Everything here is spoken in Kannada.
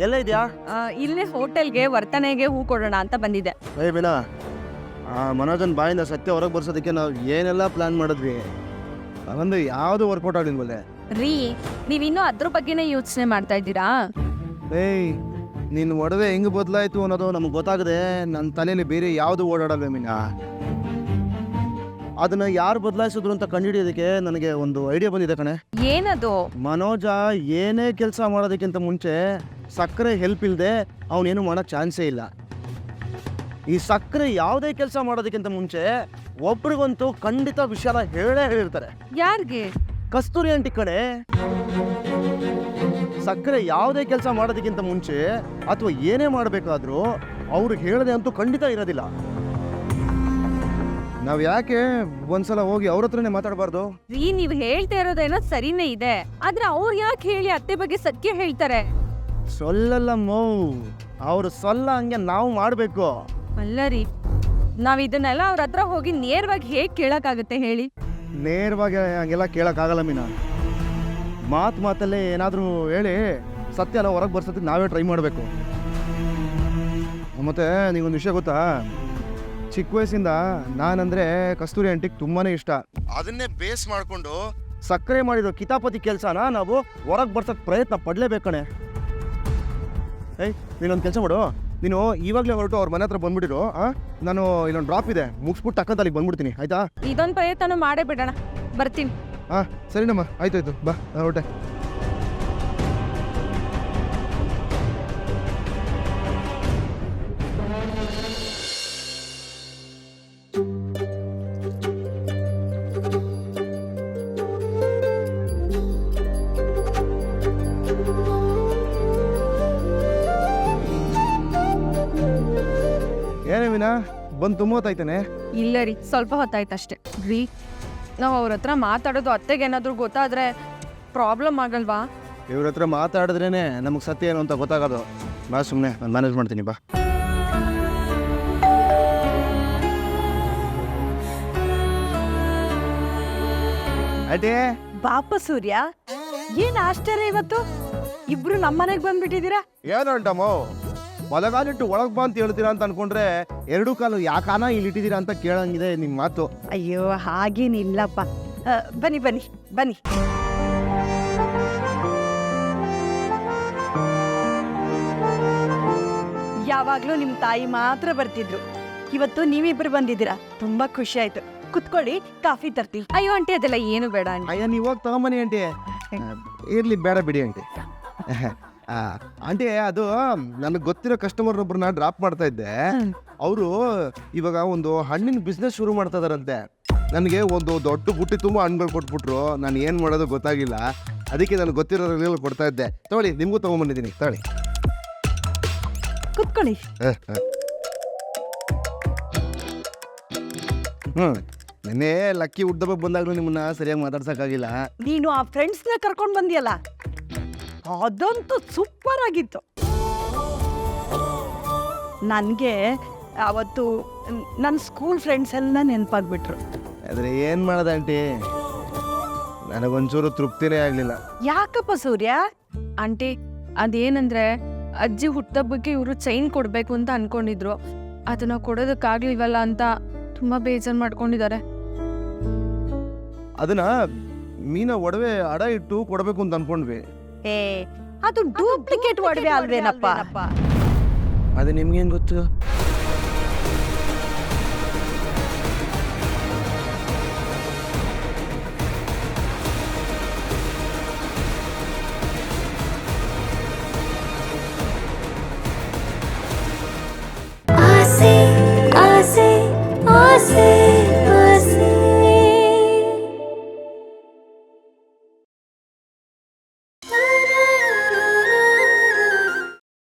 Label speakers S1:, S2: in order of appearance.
S1: ಎಲ್ಲ ಇದೆಯಾ?
S2: ಇಲ್ಲೇ ಹೋಟೆಲ್ಗೆ ವರ್ತನೆಗೆ ಹೂ ಕೊಡೋಣ ಅಂತ ಬಂದಿದ್ದೆ.
S1: ಬಿನಾ, ಮನೋಜನ್ ಬಾಯಿಂದ ಸತ್ಯ ಹೊರಗೆ ಬರ್ಸೋದಕ್ಕೆ ನಾವು ಏನೆಲ್ಲ ಪ್ಲಾನ್ ಮಾಡಿದ್ವಿ, ಅದೊಂದು ಯಾವುದು ವರ್ಕೌಟ್ ಆಗಲಿಲ್ವಲ್ಲೇ.
S2: ರೀ, ನೀವಿನ್ನೂ ಅದ್ರ ಬಗ್ಗೆನೇ ಯೋಚನೆ ಮಾಡ್ತಾ ಇದ್ದೀರಾ?
S1: ನಿನ್ನ ಒಡವೆ ಹೆಂಗೆ ಬದಲಾಯಿತು ಅನ್ನೋದು ನಮಗೆ ಗೊತ್ತಾಗದೆ ನನ್ನ ತಲೆಯಲ್ಲಿ ಬೇರೆ ಯಾವುದು ಓಡಾಡಲ್ವೇ ಮೀನಾ. ಅದನ್ನ ಯಾರು ಬದಲಾಯಿಸಿದ್ರು ಅಂತ ಕಂಡುಹಿಡಿಯೋದಕ್ಕೆ ನನಗೆ ಒಂದು ಐಡಿಯಾ ಬಂದಿದೆ ಕಣೆ.
S2: ಏನದು?
S1: ಮನೋಜ ಏನೇ ಕೆಲಸ ಮಾಡೋದಕ್ಕಿಂತ ಮುಂಚೆ ಸಕ್ಕರೆ ಹೆಲ್ಪ್ ಇಲ್ಲದೆ ಅವನೇನು ಮಾಡೋಕ್ಕೆ ಚಾನ್ಸೇ ಇಲ್ಲ. ಈ ಸಕ್ಕರೆ ಯಾವುದೇ ಕೆಲಸ ಮಾಡೋದಕ್ಕಿಂತ ಮುಂಚೆ ಒಬ್ರಿಗಂತೂ ಖಂಡಿತ ವಿಷಯ ಹೇಳಿರ್ತಾರೆ.
S2: ಯಾರಿಗೆ?
S1: ಕಸ್ತೂರಿ ಆಂಟಿ ಕಡೆ. ಸಕ್ಕರೆ ಯಾವುದೇ ಕೆಲಸ ಮಾಡೋದಕ್ಕಿಂತ ಮುಂಚೆ ಅಥವಾ ಏನೇ ಮಾಡಬೇಕಾದ್ರೂ ಅವ್ರು ಹೇಳದೆ ಅಂತೂ ಖಂಡಿತ ಇರೋದಿಲ್ಲ. ನಾವು ಯಾಕೆ ಒಂದ್ಸಲ ಹೋಗಿ ಅವ್ರ ಹತ್ರನೇ ಮಾತಾಡಬಾರ್ದು?
S2: ರೀ, ನೀವು ಹೇಳ್ತಾ ಇರೋದೇನೋ ಸರಿನೇ ಇದೆ, ಆದ್ರೆ ಅವ್ರು ಯಾಕೆ ಹೇಳಿ ಅತ್ತೆ ಬಗ್ಗೆ ಸತ್ಯ ಹೇಳ್ತಾರೆ?
S1: ಸೊಲ್ಲಲ್ಲ ಮೌ, ಅವ್ರು ಸೊಲ್ಲ ಹಂಗೆ ನಾವು ಮಾಡಬೇಕು.
S2: ಅಲ್ಲ ರೀ, ನಾವ್ ಇದನ್ನೆಲ್ಲ ಅವ್ರ ಹತ್ರ ಹೋಗಿ ನೇರವಾಗಿ ಹೇಗ್ ಕೇಳಕ್ಕಾಗತ್ತೆ ಹೇಳಿ?
S1: ನೇರವಾಗಿ ಹಂಗೆಲ್ಲ ಕೇಳೋಕ್ಕಾಗಲ್ಲ ಮೀನಾ. ಮಾತಲ್ಲೇ ಏನಾದರೂ ಹೇಳಿ ಸತ್ಯ ಎಲ್ಲ ಹೊರಗೆ ಬರ್ಸೋದಕ್ಕೆ ನಾವೇ ಟ್ರೈ ಮಾಡಬೇಕು. ಮತ್ತು ನೀವೊಂದು ವಿಷಯ ಗೊತ್ತಾ, ಚಿಕ್ಕ ವಯಸ್ಸಿಂದ ನಾನಂದರೆ ಕಸ್ತೂರಿ ಆಂಟಿಗೆ ತುಂಬಾ ಇಷ್ಟ. ಅದನ್ನೇ ಬೇಸ್ ಮಾಡಿಕೊಂಡು ಸಕ್ಕರೆ ಮಾಡಿರೋ ಕಿತಾಪತಿ ಕೆಲಸನ ನಾವು ಹೊರಗೆ ಬರ್ಸೋಕ್ಕೆ ಪ್ರಯತ್ನ ಪಡಲೇಬೇಕಣೆ. ನೀನೊಂದು ಕೆಲಸ ಮಾಡು, ನೀನು ಇವಾಗಲೇ ಹೊರಟು ಅವ್ರ ಮನೆ ಹತ್ರ ಬಂದ್ಬಿಟ್ಟಿರು. ನಾನು ಇಲ್ಲೊಂದು ಡ್ರಾಪ್ ಇದೆ, ಮುಗಿಸ್ಬಿಟ್ಟು ಟಕ್ಕಂತ ಅಲ್ಲಿಗೆ ಬಂದ್ಬಿಡ್ತೀನಿ, ಆಯ್ತಾ?
S2: ಇದೊಂದು ಪ್ರಯತ್ನ ಮಾಡೇ ಬಿಡೋಣ, ಬರ್ತೀನಿ.
S1: ಸರಿನಮ್ಮ, ಆಯ್ತಾಯ್ತು, ಬಾ ಹೊರಟೆ. ಏನೇ ಮೀನಾ, ಬಂದು ತುಂಬ ಹೊತ್ತಾಯ್ತಾನೆ?
S2: ಇಲ್ಲ ರೀ, ಸ್ವಲ್ಪ ಹೊತ್ತಾಯ್ತಷ್ಟೇ. ರೀ, ನಾವು ಅವ್ರ ಹತ್ರ ಮಾತಾಡೋದು ಅತ್ತೆಗೆ ಏನಾದರೂ ಗೊತ್ತಾದ್ರೆ ಪ್ರಾಬ್ಲಮ್ ಆಗಲ್ವಾ?
S1: ಇವ್ರ ಹತ್ರ ಮಾತಾಡಿದ್ರೇನೆ ನಮಗೆ ಸತ್ಯ ಏನು ಅಂತ ಗೊತ್ತಾಗೋದು. ಬಾ ಸುಮ್ಮನೆ, ನಾನು ಮ್ಯಾನೇಜ್ ಮಾಡ್ತೀನಿ, ಬಾ. ಅದೇ
S2: ಬಾಪ ಸೂರ್ಯ, ಏನ್ ಆಶ್ಚರ್ಯ ಇವತ್ತು ಇಬ್ರು ನಮ್ಮನೆಗೆ ಬಂದ್ಬಿಟ್ಟಿದ್ದೀರಾ?
S1: ಏನು ಅಂಟಮ್ಮೋ, ಬಲಗಾಲಿಟ್ಟು ಒಳಗೆ ಬಾ ಅಂತ ಹೇಳ್ತೀರಾ ಅಂತ ಅನ್ಕೊಂಡ್ರೆ ಎರಡು ಕಾಲು ಯಾಕಾನ ಇಲ್ಲಿ ಇಟ್ಟಿದ್ದೀರಾ ಅಂತ ಕೇಳಂಗಿದೆ ನಿಮ್ಮ ಮಾತು.
S2: ಅಯ್ಯೋ, ಹಾಗೇನಿಲ್ಲಪ್ಪ. ಬನ್ನಿ ಬನ್ನಿ ಬನ್ನಿ. ಯಾವಾಗ್ಲೂ ನಿಮ್ ತಾಯಿ ಮಾತ್ರ ಬರ್ತಿದ್ರು, ಇವತ್ತು ನೀವಿಬ್ರು ಬಂದಿದ್ದೀರಾ, ತುಂಬಾ ಖುಷಿ ಆಯ್ತು. ಕುತ್ಕೊಳ್ಳಿ, ಕಾಫಿ ತರ್ತೀವಿ. ಅಯ್ಯೋ ಆಂಟಿ, ಅದೆಲ್ಲ ಏನು ಬೇಡ ಆಂಟಿ.
S1: ಅಯ್ಯ, ನೀವು ಹೋಗಿ ತಗೊಂಬನ್ನಿ ಆಂಟಿ. ಇರ್ಲಿ, ಬೇಡ ಬಿಡಿ ಆಂಟಿ. ಆಂಟಿ, ಅದು ನನಗೆ ಗೊತ್ತಿರೋ ಕಸ್ಟಮರ್ ಒಬ್ರನ್ನ ಡ್ರಾಪ್ ಮಾಡ್ತಾ ಇದ್ದೆ. ಅವರು ಇವಾಗ ಒಂದು ಹಣ್ಣಿನ ಬಿಸ್ನೆಸ್ ಶುರು ಮಾಡ್ತಾ ಇದಾರಂತೆ. ನನಗೆ ಒಂದು ದೊಡ್ಡ ಬುಟ್ಟಿ ತುಂಬ ಹಣ್ಣುಗಳು ಕೊಟ್ಬಿಟ್ರು. ನಾನು ಏನು ಮಾಡೋದು ಗೊತ್ತಾಗಿಲ್ಲ, ಅದಕ್ಕೆ ನನಗೆ ಗೊತ್ತಿರೋ ಕೊಡ್ತಾ ಇದ್ದೆ. ತಗೊಳ್ಳಿ, ನಿಮಗೂ ತೊಗೊಂಬಂದಿದ್ದೀನಿ, ತಗೊಳ್ಳಿ.
S2: ಕುತ್ಕೊಳ್ಳಿ.
S1: ನೆನ್ನೆ ಲಕ್ಕಿ ಹುಡ್ದಬ್ಬ ಬಂದಾಗಲೂ ನಿಮ್ಮನ್ನ ಸರಿಯಾಗಿ ಮಾತಾಡ್ಸೋಕ್ಕಾಗಿಲ್ಲ.
S2: ನೀನು ಆ ಫ್ರೆಂಡ್ಸ್ನ ಕರ್ಕೊಂಡು ಬಂದಿಯಲ್ಲ, ಅದಂತೂ ಸೂಪರ್ ಆಗಿತ್ತು. ನನಗೆ ಅವತ್ತು ನನ್ನ ಸ್ಕೂಲ್ ಫ್ರೆಂಡ್ಸ್ ಎಲ್ಲ ನೆನಪಾಗ್ಬಿಟ್ರು.
S1: ಆದರೆ ಏನು ಮಾಡೋದು ಆಂಟಿ, ನನಗೊಂಚೂರು ತೃಪ್ತಿನೇ ಆಗಲಿಲ್ಲ.
S2: ಯಾಕಪ್ಪ ಸೂರ್ಯ? ಆಂಟಿ, ಅದೇನಂದ್ರೆ ಅಜ್ಜಿ ಹುಟ್ಟಬ್ಬಕ್ಕೆ ಇವರು ಚೈನ್ ಕೊಡಬೇಕು ಅಂತ ಅನ್ಕೊಂಡಿದ್ರು, ಅದನ್ನ ಕೊಡೋದಕ್ಕಾಗ್ಲಿಲ್ವಲ್ಲ ಅಂತ ತುಂಬಾ ಬೇಜಾರು ಮಾಡ್ಕೊಂಡಿದ್ದಾರೆ.
S1: ಅದನ್ನ ಮೀನಾ ಒಡವೆ ಅಡ ಇಟ್ಟು ಕೊಡಬೇಕು ಅಂತ ಅನ್ಕೊಂಡ್ವಿ.
S2: ಅದು ಡೂಪ್ಲಿಕೇಟ್ ಒಡವೆ ಅಲ್ವೇನಪ್ಪ?
S1: ಅದು ನಿಮ್ಗೇನು ಗೊತ್ತು?